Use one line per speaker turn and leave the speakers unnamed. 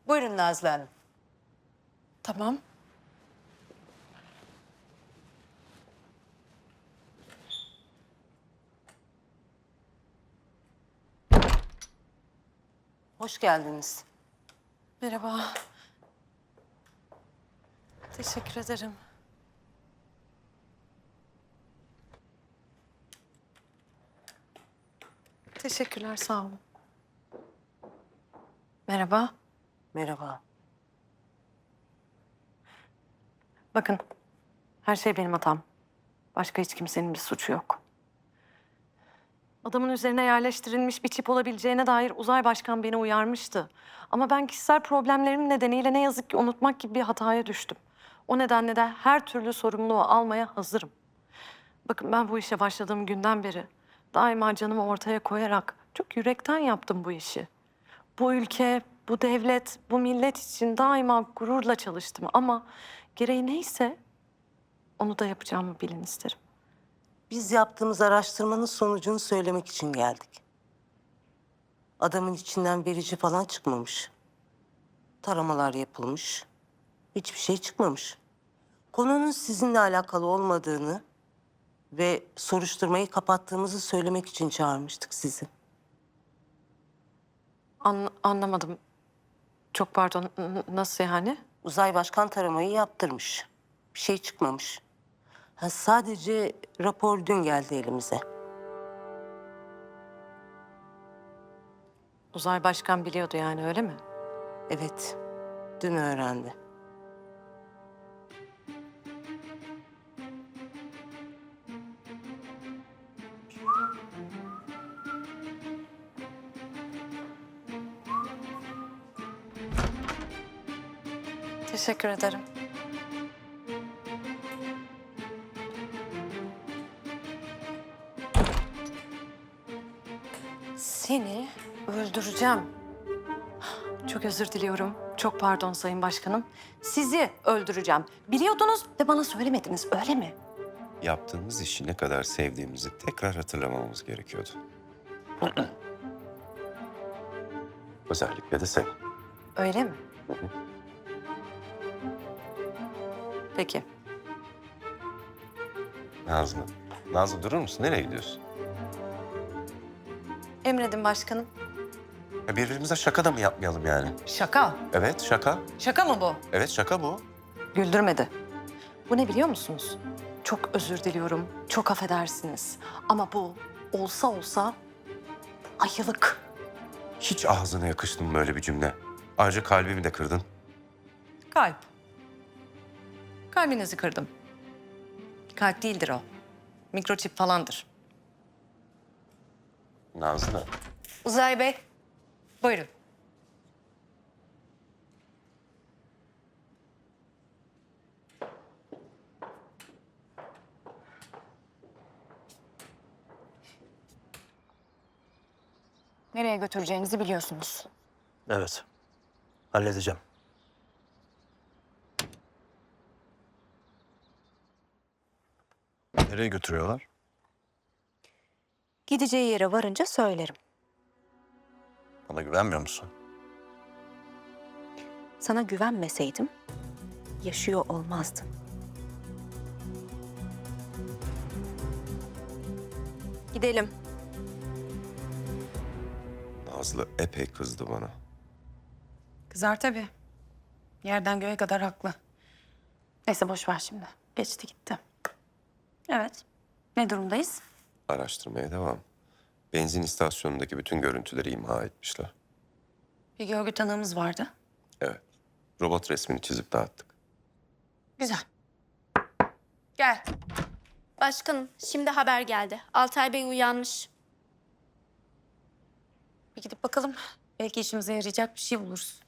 Buyurun Nazlı Hanım.
Tamam.
Hoş geldiniz.
Merhaba. Teşekkür ederim. Teşekkürler, sağ olun. Merhaba.
Merhaba.
Bakın, her şey benim hatam. Başka hiç kimsenin bir suçu yok. Adamın üzerine yerleştirilmiş bir çip olabileceğine dair Uzay Başkan beni uyarmıştı. Ama ben kişisel problemlerim nedeniyle ne yazık ki unutmak gibi bir hataya düştüm. O nedenle de her türlü sorumluluğu almaya hazırım. Bakın ben bu işe başladığım günden beri daima canımı ortaya koyarak çok yürekten yaptım bu işi. Bu ülke, bu devlet, bu millet için daima gururla çalıştım ama gereği neyse onu da yapacağımı bilin isterim.
Biz yaptığımız araştırmanın sonucunu söylemek için geldik. Adamın içinden verici falan çıkmamış. Taramalar yapılmış. Hiçbir şey çıkmamış. Konunun sizinle alakalı olmadığını ve soruşturmayı kapattığımızı söylemek için çağırmıştık sizi.
Anlamadım. Çok pardon. Nasıl yani?
Uzay Başkan taramayı yaptırmış. Bir şey çıkmamış. Sadece rapor dün geldi elimize.
Uzay Başkan biliyordu yani öyle mi?
Evet, dün öğrendi.
Teşekkür ederim. Seni öldüreceğim. Çok özür diliyorum. Çok pardon Sayın Başkanım. Sizi öldüreceğim. Biliyordunuz ve bana söylemediniz, öyle mi?
Yaptığımız işi ne kadar sevdiğimizi tekrar hatırlamamız gerekiyordu. Özellikle de sen.
Öyle mi? Peki.
Nazlı. Nazlı durur musun? Nereye gidiyorsun?
Emredin başkanım.
Ya birbirimize şaka da mı yapmayalım yani?
Şaka.
Evet şaka.
Şaka mı bu?
Evet şaka bu.
Güldürmedi. Bu ne biliyor musunuz? Çok özür diliyorum. Çok affedersiniz. Ama bu olsa olsa ayılık.
Hiç ağzına yakıştı mı böyle bir cümle? Ayrıca kalbimi de kırdın.
Kalp. Kalbinizi kırdım. Kalp değildir o. Mikroçip falandır.
Nazlı.
Uzay Bey, buyurun.
Nereye götüreceğinizi biliyorsunuz.
Evet. Halledeceğim. Nereye götürüyorlar?
Gideceği yere varınca söylerim.
Bana güvenmiyor musun?
Sana güvenmeseydim yaşıyor olmazdın. Gidelim.
Nazlı epey kızdı bana.
Kızar tabii. Yerden göğe kadar haklı. Neyse boş ver şimdi. Geçti gitti. Evet. Ne durumdayız?
Araştırmaya devam. Benzin istasyonundaki bütün görüntüleri imha etmişler.
Bir görgü tanığımız vardı.
Evet. Robot resmini çizip dağıttık.
Güzel. Gel.
Başkanım, şimdi haber geldi. Altay Bey uyanmış.
Bir gidip bakalım. Belki işimize yarayacak bir şey buluruz.